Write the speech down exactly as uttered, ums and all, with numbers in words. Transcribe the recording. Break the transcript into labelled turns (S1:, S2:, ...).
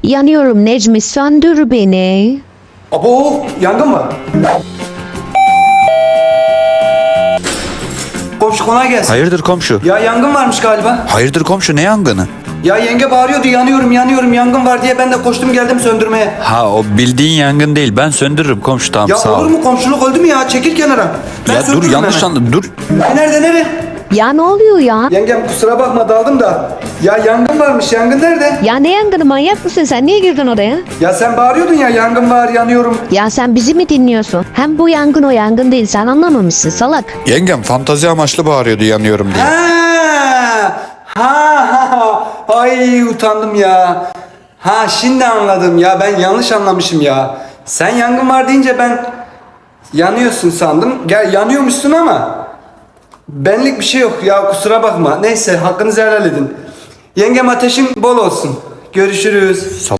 S1: Yanıyorum Necmi, söndür beni.
S2: Abo, yangın var. Komşu kolay gelsin.
S3: Hayırdır komşu?
S2: Ya yangın varmış galiba.
S3: Hayırdır komşu, ne yangını?
S2: Ya yenge bağırıyordu, yanıyorum yanıyorum yangın var diye, ben de koştum geldim söndürmeye.
S3: Ha, o bildiğin yangın değil, ben söndürürüm komşu, tamam
S2: Ya
S3: sağ ol.
S2: olur mu, komşuluk öldü mü ya, çekil kenara. Ben
S3: Ya dur,
S2: söndürürüm
S3: yanlış
S2: hemen.
S3: anladın, dur.
S2: E, Nerede nere?
S1: Ya ne oluyor ya?
S2: Yengem kusura bakma daldım da. Ya yangın varmış, yangın nerede?
S1: Ya ne yangını, manyak mısın sen? Niye girdin oraya?
S2: Ya sen bağırıyordun ya, yangın var yanıyorum.
S1: Ya sen bizi mi dinliyorsun? Hem bu yangın o yangın değil, sen anlamamışsın salak.
S3: Yengem fantazi amaçlı bağırıyordu yanıyorum diye.
S2: Ha, ha, ha, ay utandım ya. Ha şimdi anladım ya, ben yanlış anlamışım ya. Sen yangın var deyince ben yanıyorsun sandım. Gel yanıyormuşsun ama benlik bir şey yok ya, kusura bakma. Neyse, hakkınızı helal edin. Yengem ateşin bol olsun. Görüşürüz.